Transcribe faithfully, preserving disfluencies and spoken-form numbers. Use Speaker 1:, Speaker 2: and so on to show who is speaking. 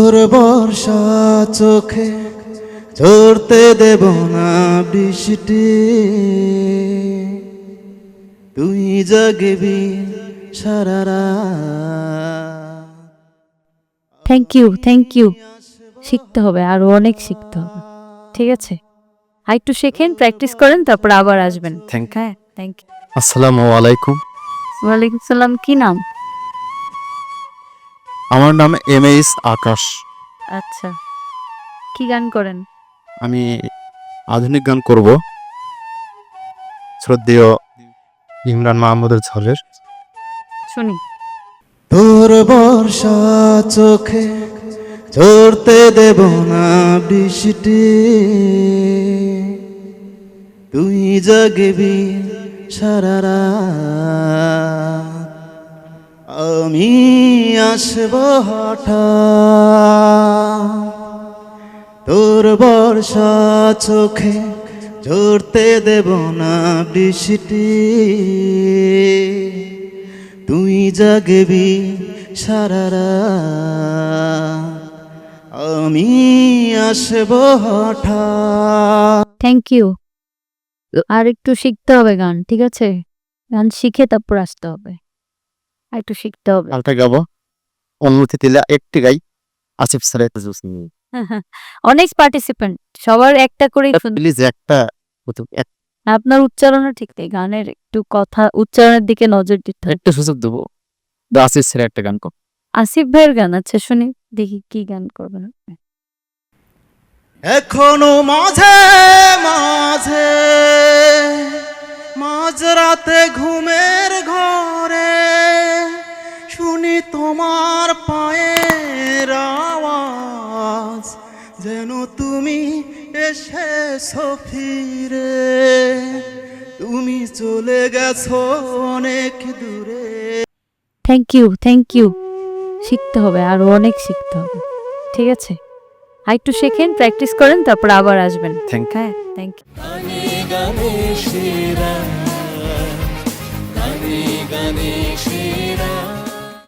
Speaker 1: তোর বর্ষা চোখে ঝরতে দেব না বৃষ্টি, তুই জাগবি সারা রাত।
Speaker 2: থ্যাংক ইউ থ্যাংক ইউ শিখতে হবে, আরো অনেক শিখতে হবে। ঠিক আছে, আর একটু শেখেন, প্র্যাকটিস করেন, তারপর আবার আসবেন।
Speaker 3: Thank you.
Speaker 2: হ্যাঁ, থ্যাংক ইউ।
Speaker 3: আসসালামু আলাইকুম।
Speaker 2: ওয়ালাইকুম সালাম। কি নাম?
Speaker 3: আমার নাম এম এইস আকাশ।
Speaker 2: আচ্ছা, কি গান করেন?
Speaker 3: আমি আধুনিক গান করব, শ্রদ্ধেয় ইমরান মাহমুদের ঝড়ের।
Speaker 2: শুনি।
Speaker 1: তোর বর্ষা চোখে ঝরতে দেব না বৃষ্টি, তুই জাগবি সারা রাত। আমি আসব হঠাৎ, তোর বর্ষা চোখে ঝরতে দেব না বৃষ্টি, তুই জাগবি সারা রাত। আমি আসব হঠাৎ।
Speaker 2: Thank you. আর একটু শিখতে হবে গান, ঠিক আছে? গান শিখে তারপর আসতে হবে, আর একটু শিখতে হবে।
Speaker 3: আলটা গাবো, অনুমতি দিলে একটি গাই। আসিফ স্যারের
Speaker 2: অনেক পার্টিসিপেন্ট, সবার একটা করে।
Speaker 3: প্লিজ একটা এক-
Speaker 2: আপনার উচ্চারণও ঠিক নেই, গানের একটু কথা উচ্চারণের দিকে নজর দিতে হবে।
Speaker 3: একটা সুযোগ দেবো। তো আসিফ স্যারের একটা গান কর।
Speaker 2: আসিফ ভাইয়ের গান আছে, শুনি দেখি কি গান করবেন আপনি।
Speaker 1: এখনো মাঝে মাঝে মাঝরাতে ঘুমের ঘরে শুনি তোমার পায়ের আওয়াজ, যেন তুমি এসেছো ফিরে, তুমি চলে গেছো অনেক দূরে।
Speaker 2: থ্যাংক ইউ থ্যাংক ইউ শিখতে হবে, আরো অনেক শিখতে হবে। ঠিক আছে, আর একটু শেখেন, প্র্যাকটিস করেন, তারপর আবার আসবেন।
Speaker 3: Thank you.
Speaker 2: হ্যাঁ, থ্যাংক ইউ।
Speaker 4: গানে গানে সেরা, গানে গানে সেরা।